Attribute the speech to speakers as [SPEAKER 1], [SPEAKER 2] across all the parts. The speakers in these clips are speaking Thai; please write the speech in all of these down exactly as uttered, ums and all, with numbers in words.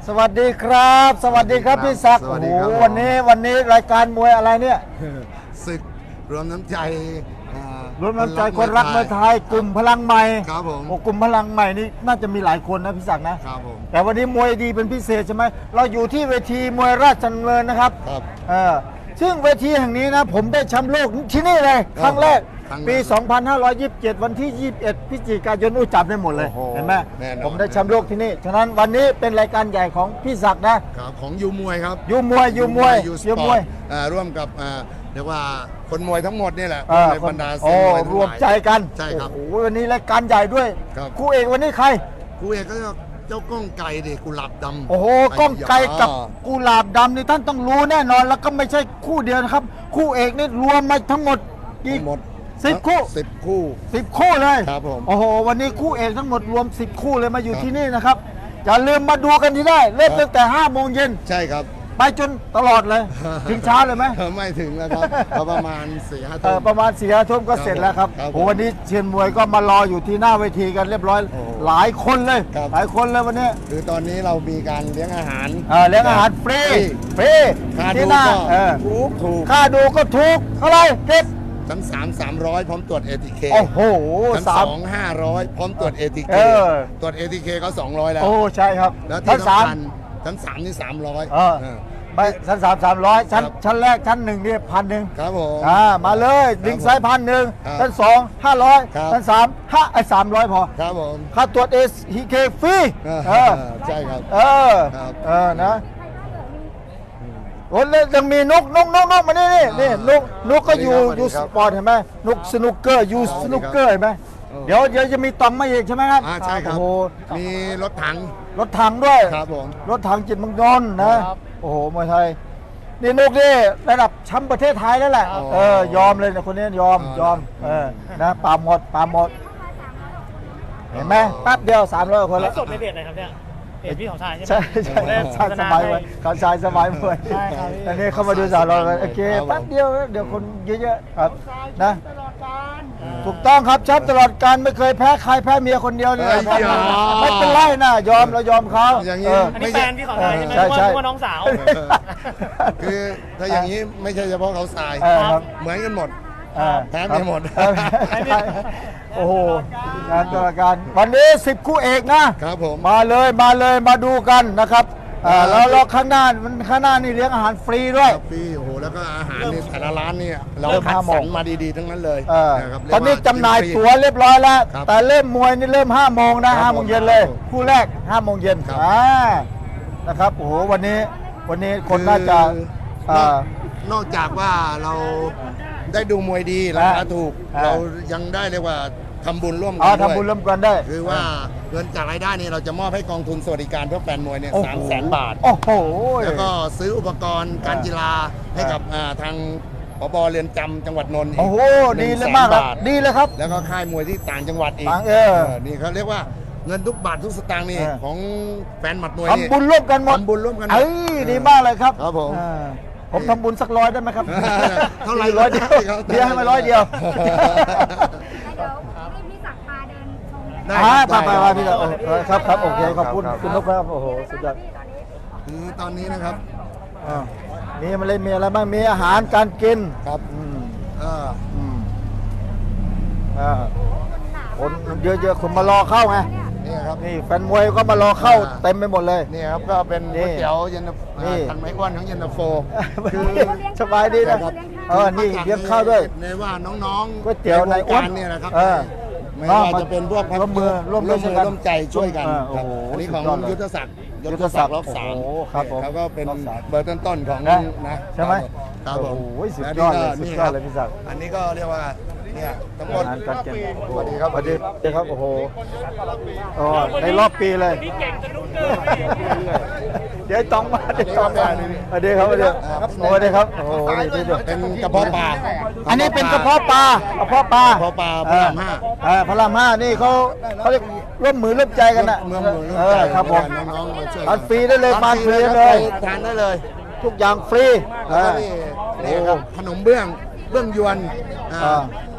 [SPEAKER 1] สวัสดีครับ สวัสดีครับพี่ศักดิ์
[SPEAKER 2] สวั
[SPEAKER 1] โอ้
[SPEAKER 2] สดี
[SPEAKER 1] โห
[SPEAKER 2] ครับ
[SPEAKER 1] วันนี้วันนี้รายการมวยอะไรเนี่ย
[SPEAKER 2] ศึกรวมน้ำใจอ่าร
[SPEAKER 1] วมน้ำใจคนรักมวยไทยกลุ่มพลังใหม่
[SPEAKER 2] ครับผม
[SPEAKER 1] โอ้กลุ่มพลังใหม่นี่น่าจะมีหลายคนนะพี่ศักดิ์นะ
[SPEAKER 2] ครับผม
[SPEAKER 1] แต่วันนี้มวยดีเป็นพิเศษใช่ไหมเราอยู่ที่เวทีมวยราชดำเนินนะครับ
[SPEAKER 2] ครับ
[SPEAKER 1] เออซึ่งเวทีแห่งนี้นะผมได้แชมป์โลกที่นี่เลย ครั้งแรก
[SPEAKER 2] ครั้งแรก
[SPEAKER 1] ปี สองพันห้าร้อยยี่สิบเจ็ด วันที่ ยี่สิบเอ็ด พฤศจิกายนอู้จับได้หมดเลย
[SPEAKER 2] โอ้โห
[SPEAKER 1] เห็นไหม
[SPEAKER 2] แน่นอน
[SPEAKER 1] ผมได้แชมป์โลกที่นี่ฉะนั้นวันนี้เป็นรายการใหญ่ของพี่ศักดิ์นะ
[SPEAKER 2] ครับของยูมวยครับ
[SPEAKER 1] ยูมวยยูมวย
[SPEAKER 2] ยูส
[SPEAKER 1] ยู
[SPEAKER 2] ป
[SPEAKER 1] ม
[SPEAKER 2] อ
[SPEAKER 1] ว
[SPEAKER 2] ร์
[SPEAKER 1] ย
[SPEAKER 2] ตอ่าร่วมกับอ่าเรียกว่าคนมวยทั้งหมดนี่แหละ
[SPEAKER 1] เออ
[SPEAKER 2] ในบรรดา
[SPEAKER 1] โอ้
[SPEAKER 2] เซียนมวยทั้งหลาย
[SPEAKER 1] รวมใจกัน
[SPEAKER 2] ใช่ครับ
[SPEAKER 1] โอ้โหวันนี้รายการใหญ่ด้วย
[SPEAKER 2] ครับ
[SPEAKER 1] คู่เอกวันนี้ใคร
[SPEAKER 2] ครูเอกก็เจ้าก้องไก่ดิกุหลาบดำ
[SPEAKER 1] โอ้โหก้องไกลกับ
[SPEAKER 2] อ่า
[SPEAKER 1] กุหลาบดำนี่ท่านต้องรู้แน่นอนแล้วก็ไม่ใช่คู่เดียวนะครับ คู่เอกนี่รวมมาทั้งหมดกี่
[SPEAKER 2] หมด
[SPEAKER 1] สิบคู่
[SPEAKER 2] สิบคู่
[SPEAKER 1] สิบคู่เลย
[SPEAKER 2] ครับผม
[SPEAKER 1] โอ้โหวันนี้คู่เอกทั้งหมดรวมสิบคู่เลยมาอยู่
[SPEAKER 2] ครับ
[SPEAKER 1] ที่นี่นะครับอย่าลืมมาดูกันที่ได้เล่นตั้งแต่ห้าโมงเย็น
[SPEAKER 2] ใช่ครับ
[SPEAKER 1] ไปจนตลอดเลย ถึงเช้าเลยไหม
[SPEAKER 2] ไม่ถึงแล้วครับก็ประมาณสี่ห้า
[SPEAKER 1] เอ
[SPEAKER 2] ทุ่
[SPEAKER 1] อ
[SPEAKER 2] ม
[SPEAKER 1] ประมาณสี่ห้าทุ่มก็เสร็จแล้วครับ
[SPEAKER 2] ครับผม
[SPEAKER 1] โอ้วันนี้เชียนมวยก็มารออยู่ที่หน้าเวทีกันเรียบร้อย
[SPEAKER 2] โอ้
[SPEAKER 1] หลายคนเลย
[SPEAKER 2] ครับ
[SPEAKER 1] หลายคนเลยวันนี้
[SPEAKER 2] คือตอนนี้เรามีการเลี้ยงอาหาร
[SPEAKER 1] เออเลี้ยงอาหารฟรีฟรี
[SPEAKER 2] ค่า
[SPEAKER 1] ที่
[SPEAKER 2] ดู
[SPEAKER 1] หน้า
[SPEAKER 2] ก็
[SPEAKER 1] เออ
[SPEAKER 2] ถูกถูก
[SPEAKER 1] ค่าดูก็ถูกเท่าไหรเก็บ
[SPEAKER 2] ชั้นสามสามร้อยพร้อมตรวจ เอ ที เค
[SPEAKER 1] โอ้โห
[SPEAKER 2] ชั้น
[SPEAKER 1] สา
[SPEAKER 2] ส
[SPEAKER 1] ม
[SPEAKER 2] องห้าร้อยพร้อมตรวจ เอ ที เค
[SPEAKER 1] เออ
[SPEAKER 2] ตรวจ เอ ที เค ก็สองร้อยแล้ว
[SPEAKER 1] โอ้ใช่ครับ
[SPEAKER 2] แล้ว
[SPEAKER 1] ชั้
[SPEAKER 2] ที่
[SPEAKER 1] นสาม
[SPEAKER 2] สำคัญชั้นสามนี่สามร้อย
[SPEAKER 1] เออ ไปชั้นสามสามร้อยชั้น
[SPEAKER 2] ครับ
[SPEAKER 1] ชั้นแรกชั้นหนึ่งเนี่ยพันหนึ่ง
[SPEAKER 2] ครับผม
[SPEAKER 1] อ่ามาเลยลิงไซด์พันหนึ่ง
[SPEAKER 2] ครับ
[SPEAKER 1] ชั้นสองห้าร้อย
[SPEAKER 2] ครับ
[SPEAKER 1] ชั้นสามห้าไอ้สามร้อยพอ
[SPEAKER 2] ครับผม
[SPEAKER 1] ค่าตรวจเอทีเคฟรี
[SPEAKER 2] เออ
[SPEAKER 1] เออ
[SPEAKER 2] ใช่ครับ
[SPEAKER 1] เออ
[SPEAKER 2] ครับ
[SPEAKER 1] เออนะโอ้แล้วยังมีนกนกนกนกมานี่นี่นี่นกนกก็อยู่
[SPEAKER 2] สวัส
[SPEAKER 1] อ
[SPEAKER 2] ดี
[SPEAKER 1] ยู่
[SPEAKER 2] ค
[SPEAKER 1] ส
[SPEAKER 2] รับ
[SPEAKER 1] ปอร์ตเห็นไหมนกสนุกเกอร์อยู่
[SPEAKER 2] อ๋อ
[SPEAKER 1] สนุกเกอร์เห็นไหม
[SPEAKER 2] เออ
[SPEAKER 1] เดี๋ยวเดี๋ยวจะมีตอมมาอีกใช่ไหมครับ
[SPEAKER 2] อ่าใช่ครับ
[SPEAKER 1] โอ้โห
[SPEAKER 2] มีรถถัง
[SPEAKER 1] รถถังด้วย
[SPEAKER 2] ครับผม
[SPEAKER 1] รถถังจิตรเมังนนท์นะ โอ้โหมวยไทย นี่นกนี่ระดับแชมป์ประเทศไทยแล้วแหละ
[SPEAKER 2] อ๋อ
[SPEAKER 1] เออยอมเลยนะคนนี้ยอม
[SPEAKER 2] อ๋อย
[SPEAKER 1] อมเออนะปาหมดปาหมด เห็นไหมแป๊บเดียวสามร้อยคน
[SPEAKER 3] แล้
[SPEAKER 1] แล้ว ว
[SPEAKER 3] สดในเพจไหนครับเนี่ยเพจพี่ของชายใช่ไหม
[SPEAKER 1] ใช่ใช่
[SPEAKER 3] ผมได้
[SPEAKER 1] ใช่สบายเลยเขาชายสบายมวย
[SPEAKER 3] ใช่ครับพี่
[SPEAKER 1] อันนี้เข้ามาดูสาวเราโอเคแป๊บเดียวเดี๋ยวคนเยอะๆครับนะถูกต้องครับแชมป์ตลอดการไม่เคยแพ้ใครแพ้เมียคนเดียวเนี่ย
[SPEAKER 2] เอ้ยอย่า
[SPEAKER 1] ไม่เป็นไรนะยอมเรายอมเขา
[SPEAKER 2] อย่างนี้
[SPEAKER 1] เออ
[SPEAKER 3] อันนี้แฟนพี่ของชายใช่ไหม
[SPEAKER 1] ใช่ใช่
[SPEAKER 3] นึกว่าน้องสาว
[SPEAKER 2] คือถ้าอย่างนี้ไม่ใช่เฉพาะเขาทราย
[SPEAKER 1] เออครับ
[SPEAKER 2] เหมือนกันหมด
[SPEAKER 1] อ่า
[SPEAKER 2] แพ้ไม่หมด
[SPEAKER 1] เออใช่โอ้โหงานตลอดการวันนี้สิบคู่เอกนะ
[SPEAKER 2] ครับผม
[SPEAKER 1] มาเลยมาเลยมาดูกันนะครับอ่า
[SPEAKER 2] ครับ
[SPEAKER 1] แล้วแล้วข้างหน้ามันข้างหน้านี่เลี้ยงอาหารฟรีด้วย
[SPEAKER 2] ครับพี่โอ้โหแล้วก็อาหารนี่แต่ละร้านเนี่ยเรา
[SPEAKER 1] เริ่ม
[SPEAKER 2] คัด
[SPEAKER 1] ห้าโม
[SPEAKER 2] ส
[SPEAKER 1] ง
[SPEAKER 2] รรมาดีๆทั้งนั้นเลย
[SPEAKER 1] เออ
[SPEAKER 2] นะครับ
[SPEAKER 1] ตอนนี้
[SPEAKER 2] เรีกว่
[SPEAKER 1] จำหน่าย
[SPEAKER 2] กิฟรี
[SPEAKER 1] ตั๋วเรียบร้อยแล้ว
[SPEAKER 2] ครับ
[SPEAKER 1] แต่เริ่มมวยนี่เริ่มห้าโมงนะ
[SPEAKER 2] ครั
[SPEAKER 1] ห้า
[SPEAKER 2] บ
[SPEAKER 1] โมงเย็นเลย
[SPEAKER 2] ครับผม
[SPEAKER 1] คู่แรกห้าโมงเย็น
[SPEAKER 2] ครับ
[SPEAKER 1] อ่านะครับโอ้โหวันนี้วันนี้คนน่าจะ
[SPEAKER 2] คือ
[SPEAKER 1] อ่าน
[SPEAKER 2] อกนอกจากว่าเราได้ดูมวยดีราคาถูก
[SPEAKER 1] อ่า
[SPEAKER 2] เรายังได้เรียกว่าทำบุญร่วมกั
[SPEAKER 1] อ๋อน
[SPEAKER 2] ด้วย
[SPEAKER 1] ทำบุญร่วมกันได้
[SPEAKER 2] คือว่าเงินจากรายได้นี่เราจะมอบให้กองทุนสวัสดิการเพื่อแฟนมวยเนี่ย
[SPEAKER 1] โอ้โห
[SPEAKER 2] สามแสนบาท
[SPEAKER 1] โอ้โห
[SPEAKER 2] แล้วก็ซื้ออุปกรณ์การกีฬาให้กับอ่าทางผบเรือนจำจังหวัดนนท์อีก
[SPEAKER 1] โอ้โห
[SPEAKER 2] หนึ่
[SPEAKER 1] ดี
[SPEAKER 2] ง
[SPEAKER 1] เล
[SPEAKER 2] แส
[SPEAKER 1] ย
[SPEAKER 2] น
[SPEAKER 1] มากครับ
[SPEAKER 2] บาท
[SPEAKER 1] ดีเลยครับ
[SPEAKER 2] แล้วก็ค่ายมวยที่ต่างจังหวัดอีก
[SPEAKER 1] ต่างเออ
[SPEAKER 2] นี่เขาเรียกว่าเงินทุกบาททุกสตางค์นี่
[SPEAKER 1] เออ
[SPEAKER 2] ของแฟนหมัดมวยนี่
[SPEAKER 1] ทำบุญร่วมกันหมด
[SPEAKER 2] ทำบุญร่วมกันหมด
[SPEAKER 1] เอ้ยดีมากเลยครับ
[SPEAKER 2] ครับผม
[SPEAKER 1] อ่าผมทำบุญสักร้อยได้ไหมครับ
[SPEAKER 2] เท่าไหร่
[SPEAKER 1] ร้อยเดียว
[SPEAKER 2] ครับ
[SPEAKER 1] เดียวให้มาร้อยเดียว
[SPEAKER 4] แล้วเดี๋ยวให้พี่ศักดิ์พาเดินชมกัน
[SPEAKER 2] ได้
[SPEAKER 1] อ่า
[SPEAKER 2] ครับ
[SPEAKER 1] ไปไป
[SPEAKER 2] ได้
[SPEAKER 1] ไปพี่ครับเออครับครับโอเคขอบคุณคุณนกครับโอ้โหสุดยอด
[SPEAKER 2] คือตอนนี้นะครับ
[SPEAKER 1] อ่ามีอะไรมีอะไรบ้างมีอาหารการกิน
[SPEAKER 2] ครับ
[SPEAKER 1] อืม
[SPEAKER 2] เออ
[SPEAKER 1] อืมอ่าคนเยอะๆคนมารอเข้าไง
[SPEAKER 2] นี่ครับ
[SPEAKER 1] นี่แฟนมวยก็มารอเข้า
[SPEAKER 2] อ่า
[SPEAKER 1] เต็มไปหมดเลย
[SPEAKER 2] นี่ครับก็เป็น
[SPEAKER 1] นี่
[SPEAKER 2] ก๋วยเตี๋ยวเย็นตาโฟ
[SPEAKER 1] นี่
[SPEAKER 2] ทันไม้อ้วนของเย็นตาโฟ คือ
[SPEAKER 1] สบายดีนะ
[SPEAKER 2] ครับ
[SPEAKER 1] เออนี่เลี้ยงข้าวด้วย
[SPEAKER 2] ในว่าน้องๆ
[SPEAKER 1] ก๋วยเตี๋ยวในอ้วน
[SPEAKER 2] วงการเนี่ยนะครับ
[SPEAKER 1] เออ
[SPEAKER 2] ไม่ว่าจะเป็นพวก
[SPEAKER 1] ร่วมมือร่วมมื
[SPEAKER 2] ร่
[SPEAKER 1] อ
[SPEAKER 2] วมมือ
[SPEAKER 1] กัน
[SPEAKER 2] ร่วมใจช่วยกัน
[SPEAKER 1] เออโอ้
[SPEAKER 2] ครับ
[SPEAKER 1] โห
[SPEAKER 2] อันนี้ของ
[SPEAKER 1] สุดยอดเลย
[SPEAKER 2] ยุทธศักดิ์
[SPEAKER 1] ยุทธศักดิ์
[SPEAKER 2] รอบสาม
[SPEAKER 1] โอ้โหครับผม
[SPEAKER 2] เขาก็เป็น
[SPEAKER 1] รอบสาม
[SPEAKER 2] เบอร์ต้นๆของ
[SPEAKER 1] นะ
[SPEAKER 2] นะ
[SPEAKER 1] ใช่ไหม
[SPEAKER 2] ครับผม
[SPEAKER 1] โอ้โหสุด
[SPEAKER 2] และ
[SPEAKER 1] ยอดเลย
[SPEAKER 2] นี่
[SPEAKER 1] สุด
[SPEAKER 2] ก็
[SPEAKER 1] ยอดเลยพี่ศักดิ์
[SPEAKER 2] อันนี้ก็เรียกว่าเนี่ยทั้งหมด
[SPEAKER 1] อาหารการกิน
[SPEAKER 2] สวัสดีครับ
[SPEAKER 1] สวัสดีครับโอ้โหอ๋อในรอบปีเลย
[SPEAKER 3] พี่เก่งจะนุ่งเกิน
[SPEAKER 1] เดี๋ยวต้องมาเดี๋ยวต้องมาสวัสดีครับสวัสดีครับสวัสดีครับโอ้โหนี่นี่ด้วย
[SPEAKER 2] เป็นกระเพาะปลา
[SPEAKER 1] อันนี้เป็นกระเพาะปลากระเพาะปลาก
[SPEAKER 2] ระเพาะปลาพระรามห้า
[SPEAKER 1] เออพระรามห้านี่เขาเขาเรียกร่วมมือร่วมใจกันนะ
[SPEAKER 2] เมืองมือ
[SPEAKER 1] เออครับผม
[SPEAKER 2] น้องๆมาช่วย
[SPEAKER 1] ทานฟรีได้เลยทานฟรีได้เลย
[SPEAKER 2] ทานได้เลย
[SPEAKER 1] ทุกอย่างฟรี
[SPEAKER 2] แล้วก็นี่นี่ครับขนมเบื้องเบื้องยวนอ่า
[SPEAKER 1] อ่า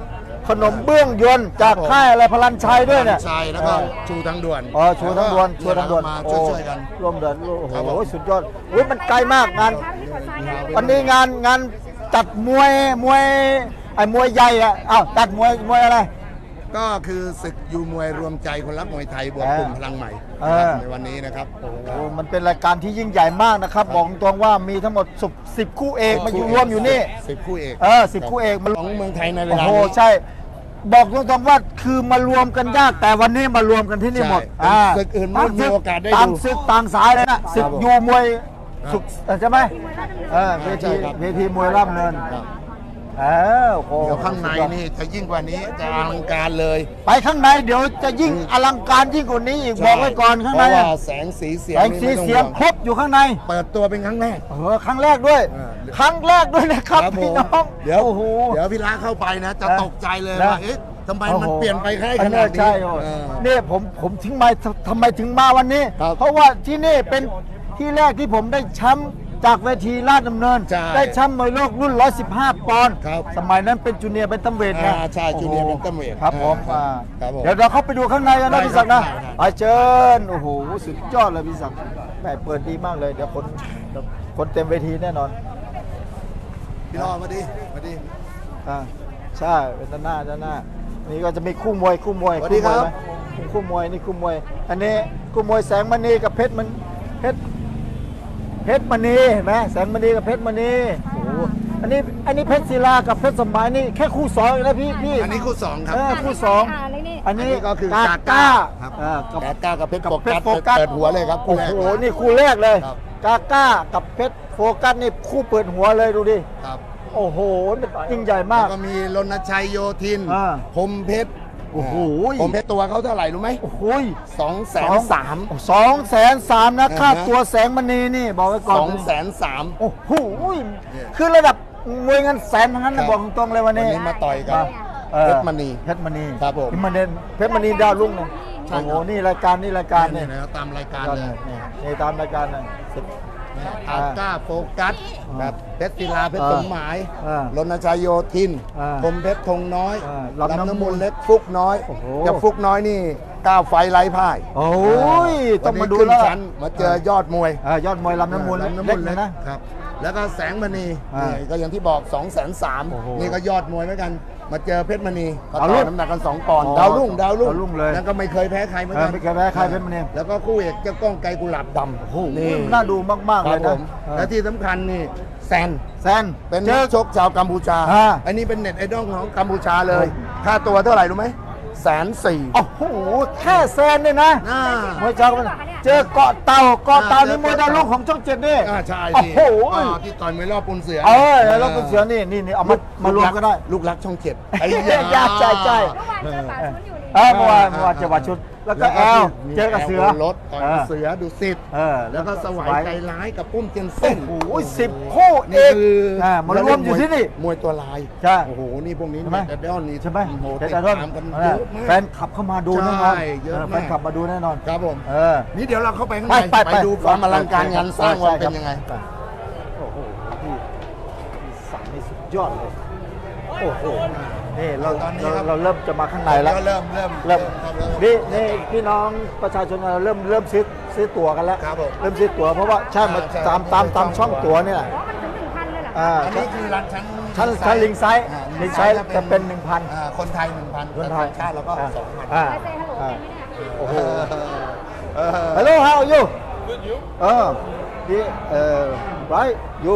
[SPEAKER 1] ขนมเบื้องยวนจากค่ายอะไรพลันชัยด้วยเนี่ย
[SPEAKER 2] ชัยแล้วก็ชูทั้งด่วน
[SPEAKER 1] อ๋อชูทั้งดวนชูทั้งดวน
[SPEAKER 2] มา
[SPEAKER 1] โอ้
[SPEAKER 2] ช่วยๆกัน
[SPEAKER 1] ร่วมเดือนโอ้
[SPEAKER 2] ครับ
[SPEAKER 1] โห
[SPEAKER 2] ผม
[SPEAKER 1] สุดยอดอุ้ยมันไกลมากงานวันนี้งานงานจัดมวยมวยไอ้มวยใหญ่อะอ้าวจัดมวยมวยอะไร
[SPEAKER 2] ก็คือศึกยูมวยรวมใจคนรักมวยไทยบวกกลุ่มพลังใหม่
[SPEAKER 1] เออ
[SPEAKER 2] ในวันนี้นะครับ
[SPEAKER 1] โอ้มันเป็นรายการที่ยิ่งใหญ่มากนะครับบอกตรงว่ามีทั้งหมดสิบคู่เอกมาอยู่รวมอยู่นี่
[SPEAKER 2] สิบคู่เอก
[SPEAKER 1] เออสิบคู่เอกมัน
[SPEAKER 2] ของเมืองไทยในเว
[SPEAKER 1] โอ้
[SPEAKER 2] ลา
[SPEAKER 1] โห
[SPEAKER 2] นี้
[SPEAKER 1] ใช่ บอกตรงๆว่าคือมารวมกันยากแต่วันนี้มารวมกันที่นี่หมด
[SPEAKER 2] ใช่ศึกอื่นไม่มีโอกาสได้ดู
[SPEAKER 1] ต่างศึกต่างสายเลยนะศึก
[SPEAKER 2] ครับผม
[SPEAKER 1] ยูมวยศึกใช่ไหมเออเวที
[SPEAKER 2] ใช่ครับ
[SPEAKER 1] เวทีมวยร่ำเนิน
[SPEAKER 2] ครับ
[SPEAKER 1] เออโอ้โห
[SPEAKER 2] เดี๋ยวข้างในนี่จะยิ่งกว่านี้จะอลังการเลย
[SPEAKER 1] ไปข้างในเดี๋ยวจะยิ่งอลังการยิ่งกว่านี้อีกบอกไว้ก่อนข้างใน
[SPEAKER 2] เพราะ
[SPEAKER 1] อะ
[SPEAKER 2] ว่าแสงสีเสียง
[SPEAKER 1] แสงสี
[SPEAKER 2] นี่ไม่ต้อง
[SPEAKER 1] เสียง
[SPEAKER 2] ห่ว
[SPEAKER 1] ครบอยู่ข้างใน
[SPEAKER 2] เปิดตัวเป็นครั้งแรก
[SPEAKER 1] เออครั้งแรกด้วย
[SPEAKER 2] เออ
[SPEAKER 1] ครั้งแรกด้วยนะครับ
[SPEAKER 2] ครับผ
[SPEAKER 1] พี่
[SPEAKER 2] ม
[SPEAKER 1] น้อง
[SPEAKER 2] เดี๋ยว
[SPEAKER 1] โอ้โห
[SPEAKER 2] เดี๋ยวพี่ละเข้าไปนะ จะ
[SPEAKER 1] นะ
[SPEAKER 2] ตกใจเลย
[SPEAKER 1] นะ
[SPEAKER 2] ว่าเอ๊ะทำไมมัน
[SPEAKER 1] โอ้โห
[SPEAKER 2] เปลี่ยนไปแค่ข
[SPEAKER 1] อั
[SPEAKER 2] นาดนี้
[SPEAKER 1] ใช่โอ้
[SPEAKER 2] เออ
[SPEAKER 1] นี่ผมผมถึงมาทำไมถึงมาวันนี้
[SPEAKER 2] ครับ
[SPEAKER 1] เพราะว่าที่นี่เป็นที่แรกที่ผมได้แชมป์จากเวทีราชดำเนิน
[SPEAKER 2] ใช่
[SPEAKER 1] ได้แชมป์มวยโลกรุ่น หนึ่งร้อยสิบห้า ปอนด์
[SPEAKER 2] ครับ
[SPEAKER 1] สมัยนั้นเป็นจูเนียร์เป็นตัมเวทไง
[SPEAKER 2] อ่าใช่จูเนียร์
[SPEAKER 1] โอ้
[SPEAKER 2] เป็นตัมเวท
[SPEAKER 1] ครับผม
[SPEAKER 2] อ่า
[SPEAKER 1] อ่า
[SPEAKER 2] ครับผม
[SPEAKER 1] เดี๋ยวเราเข้าไปดูข้างในกัน
[SPEAKER 2] ได้
[SPEAKER 1] นะพี่ศักดิ์นะครับ
[SPEAKER 2] ได้
[SPEAKER 1] ไปเชิญโอ้โหสุดยอดเลยพี่ศักดิ์แหมเปิดดีมากเลยเดี๋ยวคนเดี๋ยวคนเต็มเวทีแน่นอน
[SPEAKER 2] พี่รอดมาดิมาดิ
[SPEAKER 1] อ่าใช่เป็นด้านหน้าด้านหน้านี่ก็จะมีคู่มวยคู่มวย
[SPEAKER 2] สวัสดีครับ
[SPEAKER 1] มวยไหมคู่มวยนี่คู่มวย อันนี้คู่มวยแสงมณีกับเพชรมันเพชรเพชรมณีเห็นไหมแสงมณีกับเพชรมณีโอ้โหอันนี้อันนี้เพชรศิลากับเพชรสมัยนี่แค่คู่สองเองนะพี่พี่
[SPEAKER 2] อันนี้คู่สองครับ
[SPEAKER 1] เออคู่สอง
[SPEAKER 4] เลยนี่
[SPEAKER 1] อันนี้
[SPEAKER 2] อันนี้ก็คือก
[SPEAKER 1] า
[SPEAKER 2] า
[SPEAKER 1] ก้า
[SPEAKER 2] ก้าครับ
[SPEAKER 1] เออกับ
[SPEAKER 2] แกก้ากับเพชร
[SPEAKER 1] กับ
[SPEAKER 2] โฟ
[SPEAKER 1] เพ
[SPEAKER 2] กั
[SPEAKER 1] ช
[SPEAKER 2] ส
[SPEAKER 1] รโฟกัส
[SPEAKER 2] เปิดหัวเลยครับคู่
[SPEAKER 1] โอ้
[SPEAKER 2] แรก
[SPEAKER 1] โหนี่คู่แรกเลย
[SPEAKER 2] ครับ
[SPEAKER 1] กาก้ากับเพชรโฟกัสนี่คู่เปิดหัวเลยดูดิ
[SPEAKER 2] ครับ
[SPEAKER 1] โอ้โหมันยิ่งใหญ่มา
[SPEAKER 2] แล้
[SPEAKER 1] ก
[SPEAKER 2] วก็มีรณชัยโยธิน
[SPEAKER 1] อ่า
[SPEAKER 2] พรหมเพชร
[SPEAKER 1] โอ้โห
[SPEAKER 2] พรหมเพชรตัวเขาเท่าไหร่รู้ไหม
[SPEAKER 1] โอ้โห
[SPEAKER 2] สองแสนสาม
[SPEAKER 1] สองแสนสามนะ
[SPEAKER 2] อ่าฮะ
[SPEAKER 1] ค่าตัวแสงมณีนี่บอกไว้ก่อน
[SPEAKER 2] สองแสนสาม
[SPEAKER 1] โอ้โห
[SPEAKER 2] เนี่ย
[SPEAKER 1] คือระดับมวยเงินแสนทั้งนั้น
[SPEAKER 2] ครั
[SPEAKER 1] นะ
[SPEAKER 2] บ
[SPEAKER 1] บอกตรงๆเลยวันนี้
[SPEAKER 2] วันนี้มาต่อยกัน
[SPEAKER 1] ออ
[SPEAKER 2] เพชรมณี
[SPEAKER 1] เพชรมณี
[SPEAKER 2] ครับผม
[SPEAKER 1] เพชรมณีเพชรมณีดาวรุ่งนะ
[SPEAKER 2] ใช่
[SPEAKER 1] โอ้
[SPEAKER 2] ครับ
[SPEAKER 1] โหนี่รายการนี่รายการ
[SPEAKER 2] นี่
[SPEAKER 1] นี่
[SPEAKER 2] นะครับตามรายการ
[SPEAKER 1] ยอด
[SPEAKER 2] เล
[SPEAKER 1] เลย ยนี่นี่ตามรายการนะสุด
[SPEAKER 2] อาก้าโฟกัส
[SPEAKER 1] อ่า
[SPEAKER 2] แบบเพชรศิลาเพชร
[SPEAKER 1] อ่า
[SPEAKER 2] สมหมาย
[SPEAKER 1] อ่าร
[SPEAKER 2] ณชัยโยธิน
[SPEAKER 1] อ่า
[SPEAKER 2] พรหมเพชรธงน้อย
[SPEAKER 1] อ่า
[SPEAKER 2] ลำ
[SPEAKER 1] ลำน้ำ
[SPEAKER 2] น้ำ
[SPEAKER 1] มู
[SPEAKER 2] มู
[SPEAKER 1] ล
[SPEAKER 2] ลเล็กฟุกน้อย
[SPEAKER 1] โอ้โห
[SPEAKER 2] กับฟุกน้อยนี่ก้าวไฟไร้พ่าย
[SPEAKER 1] โอ้ยต้องมาดู
[SPEAKER 2] วันนี้
[SPEAKER 1] แล้ว
[SPEAKER 2] ขึ้นชั้นมาเจอยอดมวย
[SPEAKER 1] เออยอดมวยลำน้ำมูล
[SPEAKER 2] ลำน้ำ
[SPEAKER 1] เล็
[SPEAKER 2] มู
[SPEAKER 1] ก
[SPEAKER 2] ล
[SPEAKER 1] เล
[SPEAKER 2] เล็
[SPEAKER 1] ย
[SPEAKER 2] ก
[SPEAKER 1] นะครับ
[SPEAKER 2] แล้วก็แสงมณี
[SPEAKER 1] อ่า
[SPEAKER 2] นี่ก็อย่างที่บอก2องแสนสาม
[SPEAKER 1] โอ้โห
[SPEAKER 2] นี่ก็ยอดมวยเหมือนกัน มาเจอเพชรมณีก็
[SPEAKER 1] ดาว
[SPEAKER 2] ต่
[SPEAKER 1] รุ่
[SPEAKER 2] อง น้ำหนักกันสองปอนด์
[SPEAKER 1] อ๋อ
[SPEAKER 2] ดาวรุ่งดาวรุ่ง
[SPEAKER 1] ดาวรุ่งเลย
[SPEAKER 2] แล้วก็ไม่เคยแพ้ใครเหมือน
[SPEAKER 1] เอ
[SPEAKER 2] กั
[SPEAKER 1] อน ไม่เคยแพ้ใครเพชรมณี
[SPEAKER 2] แล้วก็คู่เอกเจ้าก้องไกรกุหลาบดำ
[SPEAKER 1] โอ้โห
[SPEAKER 2] นี่
[SPEAKER 1] น่าดูมากๆ
[SPEAKER 2] ค
[SPEAKER 1] เล
[SPEAKER 2] รับ
[SPEAKER 1] ย
[SPEAKER 2] ผ
[SPEAKER 1] นะ
[SPEAKER 2] ม
[SPEAKER 1] เออ
[SPEAKER 2] และที่สำคัญนี่แซน
[SPEAKER 1] แซน
[SPEAKER 2] เป็น
[SPEAKER 1] เจ
[SPEAKER 2] นั
[SPEAKER 1] อ
[SPEAKER 2] กชกชาวกัมพูชา
[SPEAKER 1] อ่า
[SPEAKER 2] อันนี้เป็นเน็ตไอดอลของกัมพูชาเลย ค่าตัวเท่าไหร่รู้ไหมแสนสี่
[SPEAKER 1] โอ้โหแค่แซนเนี่ยนะ
[SPEAKER 2] อ่าม
[SPEAKER 1] วยเจ้าเจอเกาะเต่าเกาะเต่านี่มวยดาวรุ่งของช่องเจ็ดนี่
[SPEAKER 2] อ่าใช่
[SPEAKER 1] โอ้
[SPEAKER 2] สิ
[SPEAKER 1] โห
[SPEAKER 2] อ่าที่ต่อยมวยรอบปูนเสือ
[SPEAKER 1] เออแล้วก็เสือนี่นี่นี่เอามามารวมก็ได้
[SPEAKER 2] ลูกรักช่องเจ็ดไอ้
[SPEAKER 1] ยากใจใจ
[SPEAKER 4] เมื่อวานเจอป่าชุนอยู่นี่
[SPEAKER 1] เออเมื่อวานเมื่อวานเจอวัดชุด แล้วก็แอลเจอกับเสือ
[SPEAKER 2] รถต่อยกับเสือดุสิต
[SPEAKER 1] เออ
[SPEAKER 2] แล้วก็สวาย
[SPEAKER 1] สวาย
[SPEAKER 2] ใจร้ายกับปุ้มเจน
[SPEAKER 1] โอ้
[SPEAKER 2] เซ่น
[SPEAKER 1] โหสิบคู่เอ
[SPEAKER 2] นี่
[SPEAKER 1] ก
[SPEAKER 2] คือ
[SPEAKER 1] อ่ามารวมอยู่ที่นี่
[SPEAKER 2] มวยตัวลาย
[SPEAKER 1] ใช่
[SPEAKER 2] โอ้โหนี่พวกนี้
[SPEAKER 1] ใช่ไหม
[SPEAKER 2] เน็ตไอดอลนี่
[SPEAKER 1] ใช่ไหม
[SPEAKER 2] โอ้โห
[SPEAKER 1] เด็
[SPEAKER 2] ติ
[SPEAKER 1] ด
[SPEAKER 2] ด
[SPEAKER 1] ดอน
[SPEAKER 2] ตามกัน
[SPEAKER 1] เอ
[SPEAKER 2] เย
[SPEAKER 1] อ
[SPEAKER 2] อะมาก
[SPEAKER 1] แฟนขับเข้ามาดูแน่นอน
[SPEAKER 2] ใช่เยอะมาก
[SPEAKER 1] แฟนขับมาดูแน่นอน
[SPEAKER 2] ครับผม
[SPEAKER 1] เออ
[SPEAKER 2] นี่เดี๋ยวเราเข้าไปข้าง
[SPEAKER 1] ไป
[SPEAKER 2] ใน
[SPEAKER 1] ไป
[SPEAKER 2] ไปดูความอลังการงานสร้างว่าเป็นยังไง
[SPEAKER 1] ใช่ครับโอ้โหพี่พี่สั่งนี่สุดยอดเลย โอ้โห นี่เรา
[SPEAKER 2] ตอนนี้
[SPEAKER 1] เรา
[SPEAKER 2] ครับ
[SPEAKER 1] เราเริ่มจะมาข้างในแล้ว
[SPEAKER 2] เริ่มเริ่ม
[SPEAKER 1] เริ่ม
[SPEAKER 2] ครับเริ่ม
[SPEAKER 1] นี่นี่พี่น้องประชาชนเราเริ่มเริ่มซื้อซื้อตั๋วกันแล้ว
[SPEAKER 2] ครับผม
[SPEAKER 1] เริ่มซื้อตั๋วเพราะว่าใช่มา
[SPEAKER 2] ใช่
[SPEAKER 1] ตามตามตามช่องตั๋วเนี่ยแหละ
[SPEAKER 4] อ๋อมันถึงหนึ่งพันเลยเหรอ
[SPEAKER 1] อ่า
[SPEAKER 2] อันนี้คือร้านชั้น
[SPEAKER 1] ชั้นชั้นลิงไซส์
[SPEAKER 2] อ่า
[SPEAKER 1] ลิงไซส์จะเป็นหนึ่งพัน
[SPEAKER 2] อ่าคนไทยหนึ่งพัน
[SPEAKER 1] คนไทย
[SPEAKER 2] ชาติแล้วก็สองพัน
[SPEAKER 1] อ่า
[SPEAKER 4] ไปเซ็นฮัลโหล
[SPEAKER 1] อ่า
[SPEAKER 4] เป็นไหมเนี่ย
[SPEAKER 1] โอ้โห
[SPEAKER 2] เออ
[SPEAKER 1] Hello how are you Good you เออพี่เอ่อ right you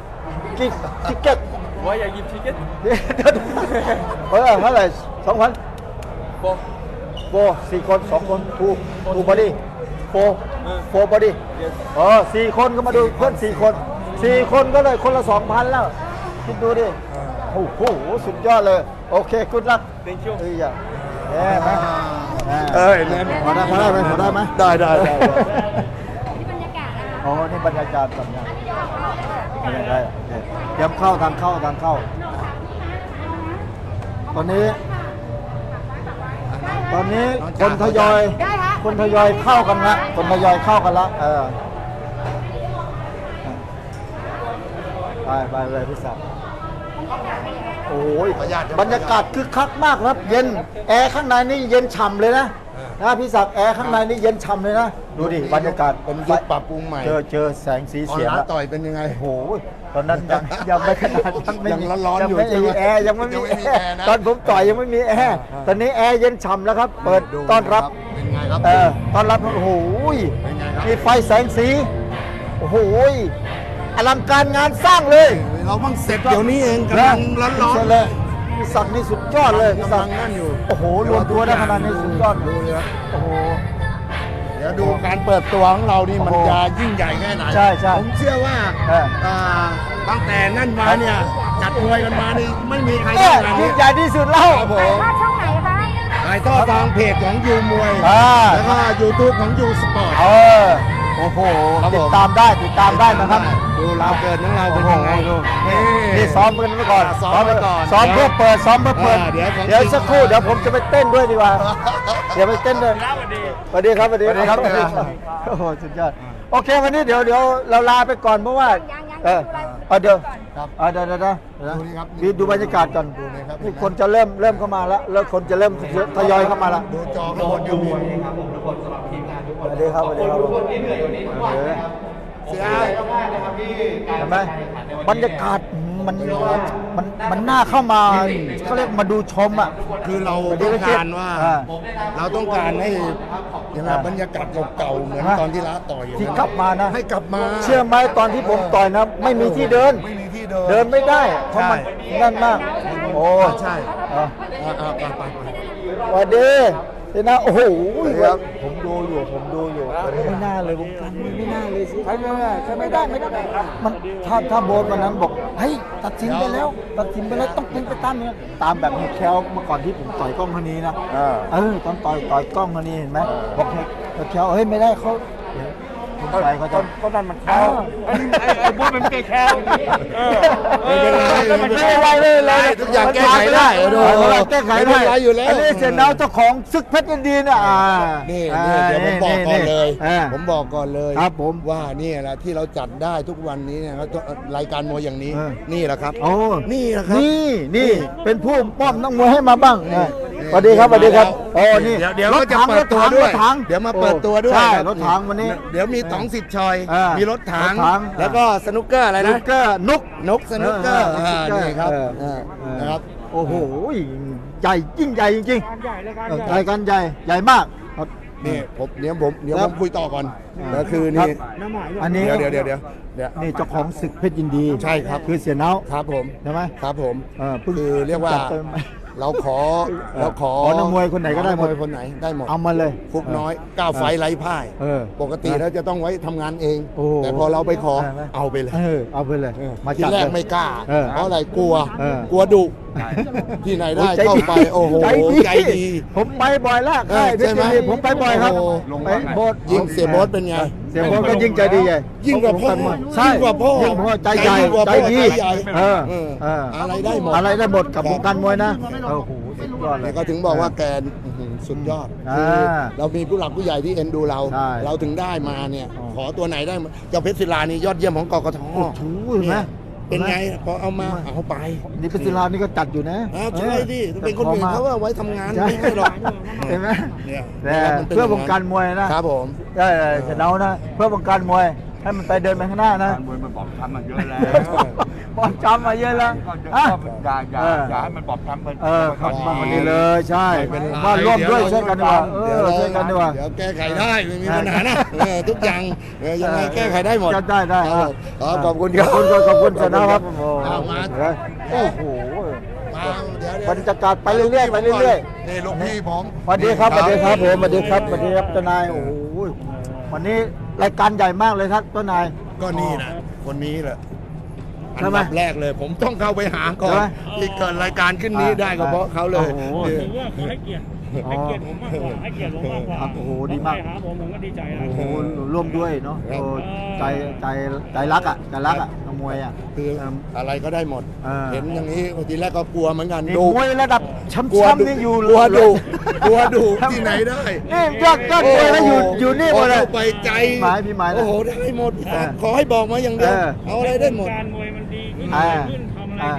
[SPEAKER 1] give ticket
[SPEAKER 3] Why I give ticket
[SPEAKER 1] เดี๋ยวเดี๋ยวเออเท่าไหร่สองพัน
[SPEAKER 3] for
[SPEAKER 1] โฟสี่คนสองคนทูทูบอดี้โฟโฟบอดี้
[SPEAKER 3] yes
[SPEAKER 1] เออสี่คนก็มาดูเพื่อนสี่คนสี่คนก็เลยคนละสองพันแล้ว คิดดูดิ โอ้โห สุดยอดเลย โอเคกุดลัก
[SPEAKER 3] thank you
[SPEAKER 1] เอ้ยอย่าแย่ไหม
[SPEAKER 2] เอ้ยแน่น
[SPEAKER 1] พอได้พอได้ไหมพอได้ไหม
[SPEAKER 2] ได้ได้ได้
[SPEAKER 4] นี่บรรยากาศนะคะ
[SPEAKER 1] อ๋อนี่บรรยากาศแบบนี้
[SPEAKER 4] อันนี้เดี๋ยวเอาเข้าเลยค่ะ
[SPEAKER 1] ได้โอเคเตรียมเข้าทางเข้าทางเข้า ตอนนี้ ตอนนี้คนทยอย
[SPEAKER 4] ได้ฮะ
[SPEAKER 1] คนทยอยเข้ากันละคนทยอยเข้ากันละเออไปไปเลยพี่ศักดิ์
[SPEAKER 4] พ
[SPEAKER 1] โอ้ย
[SPEAKER 2] ขออนุญาต
[SPEAKER 1] บรรยากาศคึกคักมากครับ เย็นแอร์ข้างในนี่เย็นฉ่ำเลยนะนะพี่ศักดิ์แอร์ข้างในนี่เย็นฉ่ำเลยนะดูดิบรรยากาศ
[SPEAKER 2] เป็นยุคปรับปรุงใหม่
[SPEAKER 1] เจอเจอแสงสี
[SPEAKER 2] ออน
[SPEAKER 1] เสียง
[SPEAKER 2] ไล
[SPEAKER 1] แล้ว
[SPEAKER 2] น์ต่อยเป็นยังไง
[SPEAKER 1] โอ้โหตอนนั้นยังยังไม่ขนาดนั้นไม่มี
[SPEAKER 2] ยังร้อนๆอยู่
[SPEAKER 1] ไม่
[SPEAKER 2] ใช่ไหม
[SPEAKER 1] มีแอร์ยังไม่
[SPEAKER 2] ยังไม่
[SPEAKER 1] มี
[SPEAKER 2] มี
[SPEAKER 1] แอ
[SPEAKER 2] แอร์
[SPEAKER 1] ร์
[SPEAKER 2] นะ
[SPEAKER 1] ตอนผมต่อยยังไม่มีแอร์ตอนนี้แอร์เย็นฉ่ำแล้วครับ เปิด
[SPEAKER 2] ดู
[SPEAKER 1] ต้อนรับ
[SPEAKER 2] เป็นไงครับ
[SPEAKER 1] เออต้อนรับโอ้โห
[SPEAKER 2] เป็นไงครับ
[SPEAKER 1] มีไฟแสงสีโอ้โหอลังการงานสร้างเลย
[SPEAKER 2] เราเพิ่งเสร็จเดี๋ยวนี้เองกำลังร้อน
[SPEAKER 1] เชิญ
[SPEAKER 2] ๆ
[SPEAKER 1] เลยพี่ศักดิ์นี่สุดยอดเลยพี่
[SPEAKER 2] กำ
[SPEAKER 1] ศั
[SPEAKER 2] ลั
[SPEAKER 1] ก
[SPEAKER 2] ง
[SPEAKER 1] ดิ์
[SPEAKER 2] นั่นอยู่
[SPEAKER 1] โอ้โหรวมตัวได้ขนาดนี้สุดยอด
[SPEAKER 2] ดูเลยครับ
[SPEAKER 1] โอ้โห
[SPEAKER 2] เดี๋ยวดูการเปิดตัวของเรานี่มัน
[SPEAKER 1] โอ้โห
[SPEAKER 2] จะยิ่งใหญ่แค่ไหน
[SPEAKER 1] ใช่ใช่
[SPEAKER 2] ผมเชื่อว่า
[SPEAKER 1] เออ
[SPEAKER 2] อ่าตั้งแต่นั่นมาเนี่ยจัดมวยกันมานี่ไม่มีใคร
[SPEAKER 1] เนี่
[SPEAKER 2] ได้
[SPEAKER 1] ย
[SPEAKER 2] ขนาด
[SPEAKER 1] ยิ่
[SPEAKER 2] นี้
[SPEAKER 1] งใหญ่ที่สุดแล้ว
[SPEAKER 2] ครับผ
[SPEAKER 4] ถ่าย
[SPEAKER 2] ม
[SPEAKER 4] ทอดช่องไหนคะ
[SPEAKER 2] ถ่ายทอดทางเพจของยูมวย
[SPEAKER 1] อ่า
[SPEAKER 2] แล้วก็ยูทูบของยูสปอร์ต
[SPEAKER 1] เออโอ้โห
[SPEAKER 2] ครับผม
[SPEAKER 1] ติดตามได้ติดตามได้นะครับ
[SPEAKER 2] ดูเราเกิดของเราเป็น
[SPEAKER 1] โอ้โห
[SPEAKER 2] ยังไง
[SPEAKER 1] ดูนี่
[SPEAKER 2] นี่
[SPEAKER 1] นี่ซ้อมกันไว้ก่อน
[SPEAKER 2] ซ้อมไว้ก่อน
[SPEAKER 1] ซ้อมเพื่อเปิดซ้อมเพื่อเปิด
[SPEAKER 2] อ่าเดี๋ยวของ
[SPEAKER 1] เดี๋ยว
[SPEAKER 2] จริง
[SPEAKER 1] สักครู่เดี๋ยวผมจะไปเต้นด้วยดีกว่า เดี๋ยวไปเต้นด้วยสวัสดีครับสวัสดีครับ
[SPEAKER 2] สวัสดีครับ
[SPEAKER 1] โอ้โหสุดยอดโอเควันนี้เดี๋ยวเดี๋ยวเราลาไปก่อนเพราะว่า
[SPEAKER 4] ยังยัง
[SPEAKER 1] เออ
[SPEAKER 4] ดูอะไร
[SPEAKER 1] เอาเดี๋ยว
[SPEAKER 2] ครับ
[SPEAKER 1] เอาเดี๋ยวเดี๋ยวเดี๋ยวเดี๋ยว
[SPEAKER 2] ดูนี่ครับ
[SPEAKER 1] ดูดูบรรยากาศก่อน
[SPEAKER 2] ดูเลยครับ
[SPEAKER 1] นี่คนจะเริ่มเริ่มเข้ามาแล้วแล้วคนจะเริ่มทยอยเข้ามาแล้ว
[SPEAKER 2] ดูจอข้างบนยูมวย
[SPEAKER 1] สวัสดีครับสวัสดีครับทุกคนที่เหนื่อยวันนี้ทุกวัน
[SPEAKER 2] เสีย
[SPEAKER 1] เห็นไหมบรรยากาศมันมันมันน่าเข้ามาเขาเรียกมาดูชมอ่ะ
[SPEAKER 2] คือเราต้องการว่า
[SPEAKER 1] อ่า
[SPEAKER 2] เราต้องการให้ยังไง
[SPEAKER 1] อ่า
[SPEAKER 2] บรรยากาศเก่าๆเหมือน
[SPEAKER 1] ฮะ
[SPEAKER 2] ตอนที่ละต่อย
[SPEAKER 1] ที่กลับมานะ
[SPEAKER 2] ให้กลับมา
[SPEAKER 1] เชื่อไหมตอนที่ผมต่อยนะ ไม่มีที่เดิน
[SPEAKER 2] ไม่มีที่เดิน
[SPEAKER 1] เดินไม่ได้เพราะมัน
[SPEAKER 2] ใช่
[SPEAKER 1] นั่นมาก โอ้
[SPEAKER 2] ใช่
[SPEAKER 1] อ่ะ
[SPEAKER 2] อ่าอ่าไปไปไป
[SPEAKER 1] สวัสดีเดี๋ยวนะโอ้โหผมดูอยู่ผมดูอยู่ไม่น่าเลยวงการมวยไม่น่าเลยสิใช่ไม่ได้ใช่ไม่ได้ไม่ได้มันถ้าถ้าโบสวันนั้นบอกเฮ้ยตัดสินไปแล้ว ตัดสินไปแล้วต้องเป็นไปตามนี้ตามแบบเฮดแคลเมื่อก่อนที่ผมต่อยกล้องคนนี้นะเออตอนต่อยต่อยกล้องคนนี้เห็นไหมบอกเฮดแคลเฮ้ยไม่ได้เขาเดี๋ยวผมใส่เขาจะก็นั่นมันแคล
[SPEAKER 3] ไอ้ไอ้ไอ้โบ๊ทมันไม่แคลเออ
[SPEAKER 2] ไม่เป็นไร
[SPEAKER 1] ไม่เป็นไรไม่เป็นไร
[SPEAKER 2] ทุกอย่างแก้ไขได้
[SPEAKER 1] เออแก้ไข
[SPEAKER 2] ไม่
[SPEAKER 1] ได้
[SPEAKER 2] เป็นไรอยู่แล้ว
[SPEAKER 1] อันนี้เสียดาวเจ้าของซึกเพชรยินดีนะอ่า
[SPEAKER 2] นี่นี่เดี๋ยวผมบอกก่อนเลย
[SPEAKER 1] อ่า
[SPEAKER 2] ผมบอกก่อนเลย
[SPEAKER 1] ครับผม
[SPEAKER 2] ว่านี่แหละที่เราจัดได้ทุกวันนี้เนะครับรายการมวยอย่างนี้
[SPEAKER 1] เออ
[SPEAKER 2] นี่แหละครับ
[SPEAKER 1] โอ้
[SPEAKER 2] นี่แหละครับ
[SPEAKER 1] นี่นี่เป็นผู้มอบนักมวยให้มาบ้างนะสวัสดีครับสวัสดีครับโอ้นี่
[SPEAKER 2] เดี๋ยวเดี๋ยว
[SPEAKER 1] รถ
[SPEAKER 2] ก็จะ
[SPEAKER 1] ถัง
[SPEAKER 2] เปิ
[SPEAKER 1] ร
[SPEAKER 2] ด
[SPEAKER 1] ถ
[SPEAKER 2] ตัว
[SPEAKER 1] ถัง
[SPEAKER 2] ด้
[SPEAKER 1] ร
[SPEAKER 2] วย
[SPEAKER 1] ถถัง
[SPEAKER 2] เดี๋ยวมาเปิดตัวด้วย
[SPEAKER 1] ใช่
[SPEAKER 2] คบ
[SPEAKER 1] รถถังวันนี้
[SPEAKER 2] เดี๋ยวมีต๋องสิทธิ์ชอย
[SPEAKER 1] อ่ามี
[SPEAKER 2] มีรถถัง
[SPEAKER 1] รถถัง
[SPEAKER 2] แล้วก็สนุกเกอร์อะไร
[SPEAKER 1] นุ
[SPEAKER 2] นะ
[SPEAKER 1] กเกอร์นุก
[SPEAKER 2] นกสนุกเกอร์
[SPEAKER 1] เออ
[SPEAKER 2] อ่า
[SPEAKER 1] เออ
[SPEAKER 2] นี่ครับ
[SPEAKER 1] เออ
[SPEAKER 2] อ่า
[SPEAKER 1] เออ
[SPEAKER 2] นะครับ
[SPEAKER 1] โอ้โหใหญ่ยิ่งใหญ่จริงๆรายการใหญ่ใหญ่มาก
[SPEAKER 2] นี่ผมเดี๋ยวผมเดี๋ยว
[SPEAKER 1] ครั
[SPEAKER 2] ผ
[SPEAKER 1] บ
[SPEAKER 2] มคุยต่อก่อน
[SPEAKER 1] อ่า
[SPEAKER 2] ก็คือ
[SPEAKER 1] ครั
[SPEAKER 2] นี่
[SPEAKER 1] บอันนี้
[SPEAKER 2] เดี๋ยวเดี๋ยวเดี๋ยวเดี๋ยว
[SPEAKER 1] นี่เจ้าของศึกเพชรยินดี
[SPEAKER 2] ใช่ครับ
[SPEAKER 1] คือเสียเนา
[SPEAKER 2] ครับผม
[SPEAKER 1] ใช่ไหม
[SPEAKER 2] ครับผม
[SPEAKER 1] เออเพิ่ง
[SPEAKER 2] คือเรียกว่า
[SPEAKER 1] จัดเต็ม
[SPEAKER 2] เราขอเราขอ
[SPEAKER 1] ขอนักมวยคนไหนก็ได้หมด
[SPEAKER 2] นักวยคนไหนได้หมด
[SPEAKER 1] เอามาเลย
[SPEAKER 2] ฟุกน้อยก้าวไฟไร้พ่าย
[SPEAKER 1] เออ
[SPEAKER 2] ปกติแล้วจะต้องไว้ทำงานเอง
[SPEAKER 1] โอ้
[SPEAKER 2] แต่พอเราไปขอ
[SPEAKER 1] ได้ไหม
[SPEAKER 2] เอาไปเลย
[SPEAKER 1] เออเอาไปเลย
[SPEAKER 2] เออ
[SPEAKER 1] มา
[SPEAKER 2] ที
[SPEAKER 1] จัด
[SPEAKER 2] แรก
[SPEAKER 1] เลย
[SPEAKER 2] ไม่กล้า
[SPEAKER 1] เออ
[SPEAKER 2] เพราะอะไรกลัว
[SPEAKER 1] เออ
[SPEAKER 2] กลัวดุที่ไหนได้
[SPEAKER 1] โอ้ยใจ
[SPEAKER 2] เข้าไปโอ้โห
[SPEAKER 1] ใจ
[SPEAKER 2] ใจดี
[SPEAKER 1] ผมไปบ่อยแล้ว
[SPEAKER 2] เออ
[SPEAKER 1] ค่ายเพชร
[SPEAKER 2] ใช่ไหม
[SPEAKER 1] ยินดีผมไปบ่อยครับ
[SPEAKER 2] โอ้โห
[SPEAKER 1] ไปโบส
[SPEAKER 2] ยิ่งเสียโบ๊ทเป็นไง
[SPEAKER 1] เสียโบสก็ยิ่งใจดีใหญ่
[SPEAKER 2] ยิ่งกว่าพ่อ
[SPEAKER 1] ใช่
[SPEAKER 2] ยิ่งกว่าพ่อ
[SPEAKER 1] ยิ่งกว่าพ่อใจใหญ่
[SPEAKER 2] ยิ่งกว่า
[SPEAKER 1] ใจ
[SPEAKER 2] พ่อ
[SPEAKER 1] ดี
[SPEAKER 2] ใจใหญ่
[SPEAKER 1] เออ
[SPEAKER 2] เออ
[SPEAKER 1] เออ
[SPEAKER 2] อะไรได้หมด
[SPEAKER 1] อะไรได้หมดกับวงการมวยนะโอ้โหสุดยอดเล
[SPEAKER 2] แล้
[SPEAKER 1] ยว
[SPEAKER 2] ก็ถึงบอกว่าแกอื้อหือสุดยอด
[SPEAKER 1] อ่า
[SPEAKER 2] คือเรามีผู้หลักผู้ใหญ่ที่เอ็นดูเรา
[SPEAKER 1] ใช่
[SPEAKER 2] เราถึงได้มาเนี่ย
[SPEAKER 1] อ๋อ
[SPEAKER 2] ขอตัวไหนได้มาเจ้าเพชรศิลานี่ยอดเยี่ยมของกกท
[SPEAKER 1] โอ้โหเห็นไหม
[SPEAKER 2] เป็นไงพอเอามาเอาไป
[SPEAKER 1] นี่เป็นศิลานี่ก็จัดอยู่นะ
[SPEAKER 2] อ่าใช่ดิถ้าเป็นคนอื่นเขาว่าไว้ทำงาน
[SPEAKER 1] ใช่
[SPEAKER 2] ไม่ให้หรอก
[SPEAKER 1] เห็นไหม
[SPEAKER 2] เนี่ย
[SPEAKER 1] แต่
[SPEAKER 2] มันป็น
[SPEAKER 1] เพื่อวงการมวยนะครับ
[SPEAKER 2] ผม
[SPEAKER 1] ได้เสียเนานะ เพื่อวงการมวยให้มันไปเดินไปข้างหน้านะ
[SPEAKER 3] การมวยมันบอบช้ำมาเยอะแล้ว
[SPEAKER 1] บอลจำมาเยอะแล้ว
[SPEAKER 3] ก็
[SPEAKER 1] อ่ะ
[SPEAKER 3] อย่าอย่า
[SPEAKER 1] เออ
[SPEAKER 3] อย่าให้มันบอบช้ำมัน
[SPEAKER 1] เออครับมาวันนี้เลยใช่
[SPEAKER 2] ไม่เป็นไร
[SPEAKER 1] ว่าร่วมด้วยช่วยกันดีกว่าเอ
[SPEAKER 2] เดี๋ยว
[SPEAKER 1] อ
[SPEAKER 2] เรา
[SPEAKER 1] ช่วยกันดีกว่า
[SPEAKER 2] เดี๋ยวแก้ไขได้ไม่มีปัญหานะเออทุกอย่างเออยังไงแก้ไขได้หมด
[SPEAKER 1] จะได้ได้
[SPEAKER 2] ครับผมครับขอบคุณครับ
[SPEAKER 1] ขอบคุณขอบคุณเสยเนาครับโอ้โห
[SPEAKER 2] เอามา
[SPEAKER 1] โอ้โห
[SPEAKER 2] มาเดี๋ยวเดี๋ยว
[SPEAKER 1] บรรยากาศไปเรื่อยๆไปเรื่อย
[SPEAKER 2] นี่ลูกพี่ผม
[SPEAKER 1] ๆสวัสดีครับสวัสดีครับผมสวัสดีครับสวัสดีครับเจ้านายโอ้โหวันนี้รายการใหญ่มากเลยครับเจ้านาย
[SPEAKER 2] ก็นี่นะคนนี้แหละอัน
[SPEAKER 1] ใช่ไหม
[SPEAKER 2] ดับแรกเลย ผมต้องเข้าไปหาก่อ
[SPEAKER 1] ใช่
[SPEAKER 2] น
[SPEAKER 1] ไหม
[SPEAKER 2] ที่เกิดรายการขึ้นนี้ได้ก็เพราะเขาเลย
[SPEAKER 1] โอ้โห
[SPEAKER 2] เออ
[SPEAKER 5] ถือว่าเขาให้เกียรติให้เกียรติผมมากกว่าให้เกียรติผมมากกว่า
[SPEAKER 1] ครับโอ้โหดีมาก
[SPEAKER 5] ใครหาผมผมก็ดีใจนะ
[SPEAKER 1] โอ้โหร่วมด้วยเนาะโอ้ใจใจใจรักอ่ะใจรักอ่ะนักมวยอ่ะ
[SPEAKER 2] คือ
[SPEAKER 1] เอิ่ม
[SPEAKER 2] อะไรก็ได้หมด
[SPEAKER 1] เออ
[SPEAKER 2] เห็นอย่างนี้ทีแรกก็กลัวเหมือนกัน
[SPEAKER 1] นี่
[SPEAKER 2] ดู
[SPEAKER 1] มวยระดับแชมป์
[SPEAKER 2] กลัว
[SPEAKER 1] แชมป์
[SPEAKER 2] ดุ
[SPEAKER 1] นี่อยู่
[SPEAKER 2] กลัวดุกลัวดุที่ไหนได้
[SPEAKER 1] นี่ยอดยอดมวยแล้วอยู่อยู่นี่หมดเลย
[SPEAKER 2] เข้าไปใจ
[SPEAKER 1] หมายพี่หมายนะ
[SPEAKER 2] โอ้โหได้หมด
[SPEAKER 1] เออ
[SPEAKER 2] ขอให้บอกมาอย่างเดียว
[SPEAKER 1] เออ
[SPEAKER 2] เอาอะไรได้หมด
[SPEAKER 5] การมวยมันดีขึ้น
[SPEAKER 1] อ่า
[SPEAKER 5] ดีขึ้นทำอะไรที่เรา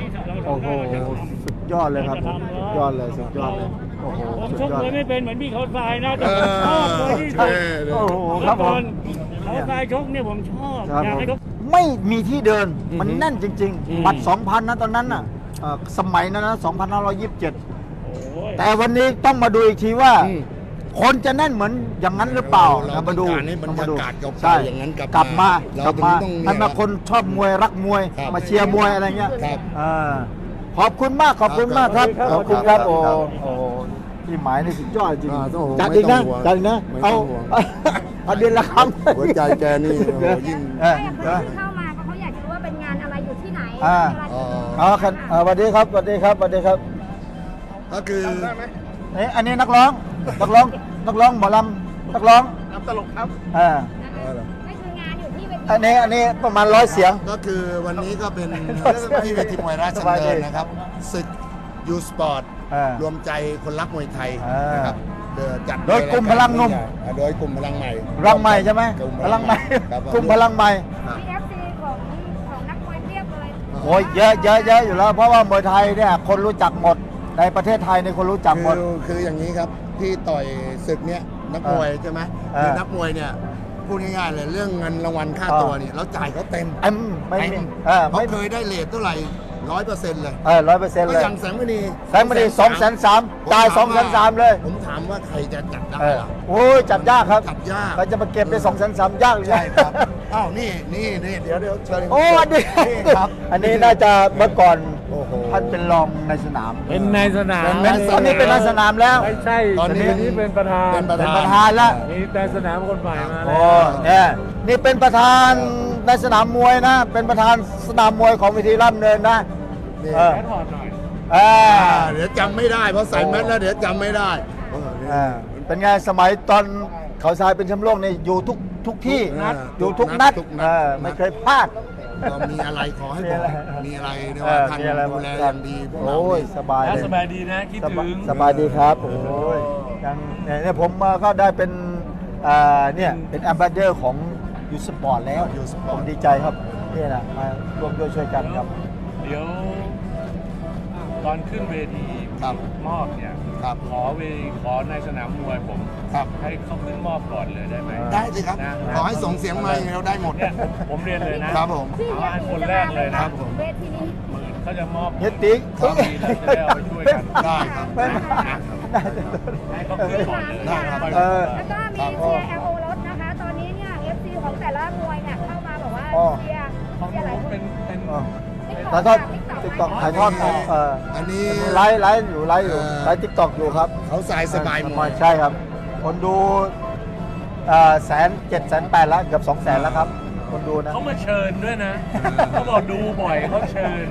[SPEAKER 1] โอ้โหสุดยอดเลยครับสุดยอดเลยสุดยอดเลยโอ้โห
[SPEAKER 5] ผม
[SPEAKER 1] สุด
[SPEAKER 5] ชก
[SPEAKER 1] ยอด
[SPEAKER 5] มวยไม่เป็นเหมือนพี่เขาทรายนะแต่
[SPEAKER 2] เอ
[SPEAKER 5] ผมชอบเลยที่สุด
[SPEAKER 1] โอ้โหครับผม
[SPEAKER 5] เขาทรายชกเนี่ยผมชอบ
[SPEAKER 1] ครับ
[SPEAKER 5] อยาก
[SPEAKER 1] ผม
[SPEAKER 5] ให้เขา
[SPEAKER 1] ไม่มีที่เดินมัน
[SPEAKER 2] อือฮึ
[SPEAKER 1] แน่นจริง
[SPEAKER 2] อืม
[SPEAKER 1] ๆ บัตร สองพัน นะตอนนั้นน่ะเอ่อสมัยนั้นนะสองพันห้าร้อยยี่สิบเจ็ด
[SPEAKER 5] โอ้ย
[SPEAKER 1] แต่วันนี้ต้องมาดูอีกทีว่า
[SPEAKER 2] อืม
[SPEAKER 1] คนจะแน่นเหมือนอย่างนั้นหรือเปล่า
[SPEAKER 2] เรา
[SPEAKER 1] นะมาดู
[SPEAKER 2] ต้องการให้บรรยากาศ
[SPEAKER 1] ต้
[SPEAKER 2] เก่าๆอย่างนั้นกลับ
[SPEAKER 1] กลับมา
[SPEAKER 2] เรา
[SPEAKER 1] กลับมา
[SPEAKER 2] ถึงต้องเนี่ย
[SPEAKER 1] ให้มาคนชอบมวยรักมวย
[SPEAKER 2] ครับ
[SPEAKER 1] มาเชียร์มวยอะไรเงี้ย
[SPEAKER 2] ครับ
[SPEAKER 1] อ่าขอบคุณมากขอบคุณมากครับขอบคุณครับโอ้โอ้พี่หมายนี่สุดยอดจริง
[SPEAKER 2] อ่าต้อง
[SPEAKER 1] จัดอีกนะ
[SPEAKER 2] ไม่ต้องห่วง
[SPEAKER 1] จัดอีกนะ
[SPEAKER 2] ไม่ต้
[SPEAKER 1] เอา
[SPEAKER 2] องห่วง
[SPEAKER 1] เอาเดือนละครั้ง
[SPEAKER 2] หัวใจแกนี่โอ้โหยิ่ง
[SPEAKER 1] เออ
[SPEAKER 4] ไม่อะ
[SPEAKER 1] เออ
[SPEAKER 4] คนที่เข้ามาเพราะเขาอยากจะรู้ว่าเป็นงานอะไรอยู่ที่ไหน
[SPEAKER 1] อ่า
[SPEAKER 4] เวลา
[SPEAKER 2] อ๋อ
[SPEAKER 1] อ๋อครับอ่าสวัสดีครับสวัสดีครับสวัสดีครับ
[SPEAKER 2] ก็คือ
[SPEAKER 1] เอ้ยอันนี้นักร้องนักร้องนักร้องหมอลำนักร้องนักตลกครับอ่า
[SPEAKER 4] นั่นคืองานอยู่ที่เวที
[SPEAKER 1] อันนี้อันนี้ประมาณร้อยเสียง
[SPEAKER 2] ก็คือวันนี้ก็เป็นที่เวทีมวยราชดำเนินนะครับศึกยูสปอร์ต
[SPEAKER 1] อ่าร
[SPEAKER 2] วมใจคนรักมวยไทย
[SPEAKER 1] อ่าน
[SPEAKER 2] นะครับเดินจัด
[SPEAKER 1] โดยกลุ่มพลังหนุ่ม
[SPEAKER 2] อ่าโดยกลุ่มพลังใหม่
[SPEAKER 1] พลังใหม่ใช่ไหม
[SPEAKER 2] กลุ่ม
[SPEAKER 1] พลังใหม่
[SPEAKER 2] ครับ
[SPEAKER 1] กลุ่มพลังใหม่
[SPEAKER 2] ครับ
[SPEAKER 4] มีเอฟซีของของนักมวยเพียบเลย
[SPEAKER 1] โอ้ยเยอะเยอะเยอะอยู่แล้ว เพราะว่ามวยไทยเนี่ยคนรู้จักหมดในประเทศไทยในยคนรู้จักหมด
[SPEAKER 2] คือคืออย่างนี้ครับที่ต่อยศึกเนี้ยนักมวยใช่ไหม
[SPEAKER 1] อ่า
[SPEAKER 2] คือนักมวยเนี่ยพูดง่ายๆเลยเรื่องเงินรางวัลค่า
[SPEAKER 1] อ่า
[SPEAKER 2] ตัวเนี่ยเราจ่ายเขาเต็ม
[SPEAKER 1] เอ็มไม่มี
[SPEAKER 2] เต็ม
[SPEAKER 1] เออ
[SPEAKER 2] เขา
[SPEAKER 1] ไม่
[SPEAKER 2] เคยได้เลทเท่าไหร่ร้อยเปอร์เซ็นต์เลย
[SPEAKER 1] เออร้อยเปอร์เซ็นต์
[SPEAKER 2] ก็
[SPEAKER 1] เลย
[SPEAKER 2] อย่างแสงมณี
[SPEAKER 1] แสงมณีสองแสนสามจ่ายสองแสนสามเลย
[SPEAKER 2] ผมถามว่าใครจะจัดได้
[SPEAKER 1] เออ
[SPEAKER 2] ล่ะ
[SPEAKER 1] โอ้ยจับยากครับ
[SPEAKER 2] จัดยาก
[SPEAKER 1] เราจะมาเก็บได้สองแสนสามยากเลย
[SPEAKER 2] ใช่ครับอ้าวนี่นี่นี่เดี๋ยวเดี๋ยวเชิญ
[SPEAKER 1] โอ้อันนี้
[SPEAKER 2] นี่ครับ
[SPEAKER 1] อันนี้น่าจะเมื่อก่อน
[SPEAKER 2] โอ้โห
[SPEAKER 1] ท่านเป็นรองในสนาม
[SPEAKER 3] เป็นในสนาม
[SPEAKER 1] เป็นตอนนี้เป็นในสนามแล้ว
[SPEAKER 3] ไม่ใช่
[SPEAKER 2] ตอนนี้
[SPEAKER 3] เดี๋ยวนี้เป็นประธาน
[SPEAKER 2] เป็นประ
[SPEAKER 1] เป็น
[SPEAKER 2] ธาน
[SPEAKER 1] ประธานแล้ว
[SPEAKER 3] มีแต่สนามคนใหม่มา
[SPEAKER 1] โอ้
[SPEAKER 3] แล้ว
[SPEAKER 1] เนี่ยนี่เป็นประธานในสนามมวยนะ เป็นประธานสนามมวยของเวทีร่ำเนินนะ
[SPEAKER 2] นี่
[SPEAKER 1] เออ
[SPEAKER 3] แค่ถอดหน่อย
[SPEAKER 1] เออ
[SPEAKER 2] อ่าเดี๋ยวจำไม่ได้เพราะใส่แมสแล้วเดี๋ยวจำไม่ได้เออนี่
[SPEAKER 1] เออเป็นไงสมัยตอนเขาทรายเป็นแชมป์โลกนี่อยู่ทุกทุกที่
[SPEAKER 2] ทุกนัด
[SPEAKER 1] อยู่ทุกนัด
[SPEAKER 2] ทุกนัด
[SPEAKER 1] เออไม่เคยพลาด
[SPEAKER 2] ก็มีอะไรขอให้
[SPEAKER 1] มี
[SPEAKER 2] บอ
[SPEAKER 1] อะไร
[SPEAKER 2] กมีอะไรเนี่ย
[SPEAKER 1] เอ
[SPEAKER 2] ว่า
[SPEAKER 1] อ
[SPEAKER 2] ท่าน
[SPEAKER 1] มีอะไร
[SPEAKER 2] ดูแลอย่างดีพวกเรา
[SPEAKER 1] โอ้ย
[SPEAKER 2] นี่
[SPEAKER 1] สบาย
[SPEAKER 3] แล้ว
[SPEAKER 1] เลย
[SPEAKER 3] สบายดีนะ คิด
[SPEAKER 1] ส
[SPEAKER 3] ถึ
[SPEAKER 1] บาย
[SPEAKER 3] ง
[SPEAKER 1] สบายดีครับโอ้ยยังเนี่ยเนี่ยผมมาก็ได้เป็นอ่าเนี่ยเป็นแอมบาสเดอร์ของยูสปอร์ตแล้ว
[SPEAKER 2] ยูสป
[SPEAKER 1] ผ
[SPEAKER 2] อร์
[SPEAKER 1] ม
[SPEAKER 2] ต
[SPEAKER 1] ดีใจครับนี่นะมาร่วมด้วยช่วยกันครับ
[SPEAKER 3] เดี๋ยว ตอนขึ้นเวที
[SPEAKER 2] ครับ
[SPEAKER 3] มอบเนี่ย
[SPEAKER 2] ครับ
[SPEAKER 3] ขอเวขอในสนามมวยผม
[SPEAKER 2] ครับ
[SPEAKER 3] ให้เขาขึ้นมอบก่อนเลยได้ไหม
[SPEAKER 2] ได้สิครับ
[SPEAKER 3] นะ
[SPEAKER 2] ขอให้ส่งเสียงมาอย่างเดียวได้หมด
[SPEAKER 3] เนี่ยผมเรียนเลยนะครับ
[SPEAKER 2] ผม
[SPEAKER 4] ที่
[SPEAKER 3] เอา
[SPEAKER 4] เฮีย
[SPEAKER 3] อัน
[SPEAKER 4] ตี
[SPEAKER 3] คน
[SPEAKER 4] จะ
[SPEAKER 3] แร
[SPEAKER 4] มาก
[SPEAKER 3] เลย
[SPEAKER 4] ไหม
[SPEAKER 3] นะ
[SPEAKER 2] ผม
[SPEAKER 4] เวทีนี้
[SPEAKER 3] หมื่นเขาจะมอบ
[SPEAKER 1] เฮียติ๊ก
[SPEAKER 3] ก็ดีเราจะได้เอาไปช่วยกัน
[SPEAKER 2] ได้ครับ
[SPEAKER 1] ไม่มา
[SPEAKER 3] ให้เขาขึ้นก่อนเลย
[SPEAKER 2] ได้ครับ
[SPEAKER 1] เออ
[SPEAKER 4] แล้วก็มี
[SPEAKER 2] ครับ
[SPEAKER 4] เชียร์ แอล โอ รถนะคะ ตอนนี้เนี่ย เอฟ ซี ของแต่ละมวยเนี่ยเข้ามาบอกว่า
[SPEAKER 1] อ๋อ
[SPEAKER 4] เชียร์
[SPEAKER 3] ของ
[SPEAKER 4] เชียร์หลาย
[SPEAKER 3] ผม
[SPEAKER 4] คน
[SPEAKER 3] เป็นเป็น
[SPEAKER 1] อ๋อ
[SPEAKER 4] TikTok
[SPEAKER 1] ถ่ายทอด
[SPEAKER 4] ค่ะ
[SPEAKER 1] ติ๊กต็อกถ่ายทอดเออ
[SPEAKER 2] อันนี้
[SPEAKER 1] ไลฟ์ไลฟ์อยู่ไลฟ์อยู่
[SPEAKER 2] เออ
[SPEAKER 1] ไลฟ์ติ๊กต็อกอยู่ครับ
[SPEAKER 2] เขาสายสบายหมด
[SPEAKER 1] ใช่ครับ คนดูแสนเจ็ดแสนแปดแล้วเกือบสองแสนแล้วครับ คนดูนะ
[SPEAKER 3] เขามาเชิญด้วยนะ เขาบอกดูบ่อยเขาเชิญ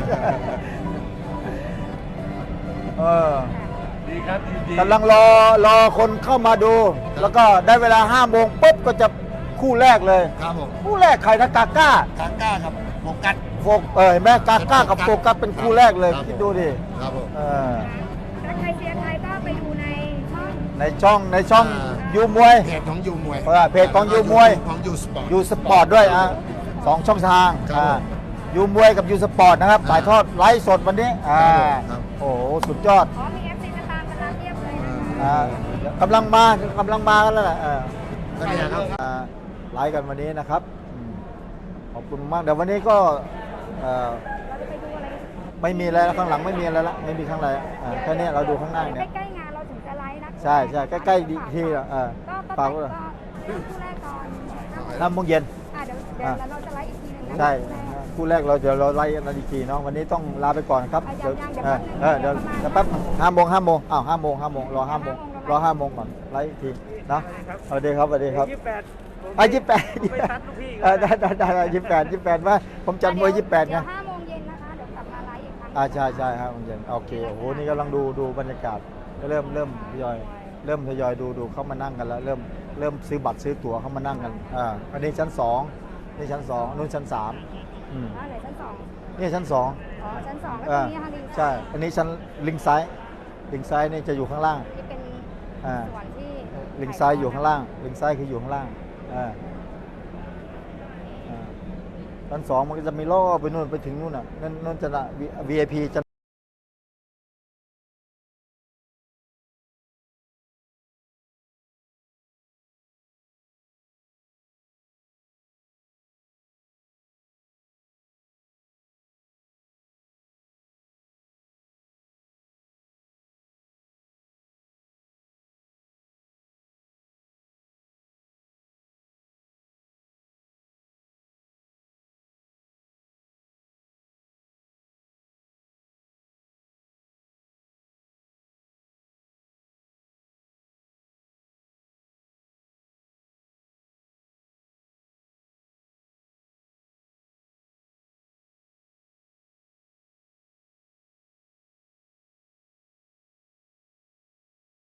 [SPEAKER 1] เออ
[SPEAKER 3] ดีครับดีดี
[SPEAKER 1] กำลังรอรอคนเข้ามาดู แล้วก็ได้เวลาห้าโมงปุ๊บก็จะคู่แรกเลย
[SPEAKER 2] ครับผม
[SPEAKER 1] คู่แรกใครนะกาก้าก
[SPEAKER 2] าก้าครับโฟกัส
[SPEAKER 1] โฟกเออเห็นไหมกาก้ากับโฟกัสเป็นคู่แรกเลย
[SPEAKER 2] ครับ
[SPEAKER 1] คิดดูดิ
[SPEAKER 2] ครับผม
[SPEAKER 1] เออ
[SPEAKER 4] ถ้าใครเชียร์ไทยก็ไปดูในช่อง
[SPEAKER 1] ในช่องในช่อง
[SPEAKER 2] อ่า
[SPEAKER 1] ยูมวย
[SPEAKER 2] เพจของยูมวย
[SPEAKER 1] เออเพจของยูมวย
[SPEAKER 2] ของยูสปอร์ต
[SPEAKER 1] ยูสปอร์ตด้วยอ่ะสองช่องทาง
[SPEAKER 2] ครับ
[SPEAKER 1] อ่า
[SPEAKER 2] ผม
[SPEAKER 1] ยูมวยกับยูสปอร์ตนะครับ
[SPEAKER 2] อ่า
[SPEAKER 1] ถ่ายทอดไลฟ์สดวันนี้อ่า
[SPEAKER 2] ครับ
[SPEAKER 1] โอ้โหสุดยอด
[SPEAKER 4] อ๋อมีเอฟซีจะตามกันมาเรียบเลยนะคะ
[SPEAKER 1] อ่ากำลังมากำลังมากันแล้วแหละอ่า
[SPEAKER 2] ก็เนี่ยครับ
[SPEAKER 1] อ่าไลฟ์กันวันนี้นะครับอืมขอบคุณมากเดี๋ยววันนี้ก็เอ่อ
[SPEAKER 4] เราจะไปดูอะไร
[SPEAKER 1] ไม่มีอะไรแล้วข้างหลังไม่มีอะไรละไม่มีข้างในอ่าแค่นี้เราดูข้างหน้าเนี่ย
[SPEAKER 4] ใกล้ๆงานเราถึงจะไลฟ์นะ
[SPEAKER 1] ใช่ใช่ใกล้ๆดีที่อ่ะเออ
[SPEAKER 4] ก็ก็
[SPEAKER 1] ฝาก
[SPEAKER 4] ก็
[SPEAKER 1] ไว้เลย
[SPEAKER 4] คู่แรกก่อน
[SPEAKER 1] ห้าโมงเย็น
[SPEAKER 4] อ่ะเดี๋ยวเดี๋ยวเราจะไลฟ์อีกทีหนึงนะ
[SPEAKER 1] ใช่คู่แรกเราเดี๋ยวเราไล่กันอีกทีเนาะวันนี้ต้องลาไปก่อนครับเดี๋ยวเออเออเดี๋ยวเดี๋ยวแป๊บห้าโมงห้าโมงอ้าวห้าโมงห้าโมงรอห้าโมงรอห้าโมงก่อนไล่อีกทีเนาะสวัสดีครับสวัสดีครับ
[SPEAKER 5] ยี่สิบแปด
[SPEAKER 1] อ่ะยี่สิบแปด
[SPEAKER 5] ไปซัดลูกพี่
[SPEAKER 1] เออได้ได้ได้ได้ยี่สิบแปดยี่สิบแปดว่าผมจัดมวยยี่สิบแปดไง
[SPEAKER 4] เดี๋ยวห้าโมงเย็นนะคะเดี๋ยวกลับมาไลฟ์อีกครั้ง
[SPEAKER 1] อ่าใช่ใช่ครับผมเย็นโอเคโอ้โหนี่กำลังดูดูบรรยากาศก็เริ่มเริ่มทยอยเริ่มทยอยดูดูเข้ามานั่งกันแล้วเริ่มเริ่มซื้อบัตรซื้อตั๋วเข้ามานั่งกันอ่าอันนี้ชั้นสองนี่ชั้นสองนู่นชั้นสามอืม
[SPEAKER 4] อ่าไหนชั้นสอง
[SPEAKER 1] นี่ชั้นสอง
[SPEAKER 4] อ๋อชั้นสองแล้วต
[SPEAKER 1] อ่า
[SPEAKER 4] รงนี้ค่ะลิง
[SPEAKER 1] ใช่ อันนี้ชั้นลิงซ้ายลิงซ้ายนี่จะอยู่ข้างล่าง
[SPEAKER 4] ที่เป็น
[SPEAKER 1] อ่า
[SPEAKER 4] ส่วนที่
[SPEAKER 1] ลิงซ้ายอยู่ข้างล่างลิงซ้ายคืออยู่ข้างล่างอ่าอ่าชั้นสองมันก็จะมีล่อไปนู่นไปถึงนู่นน่ะนั่นนั่นจะละ วี ไอ พี จะ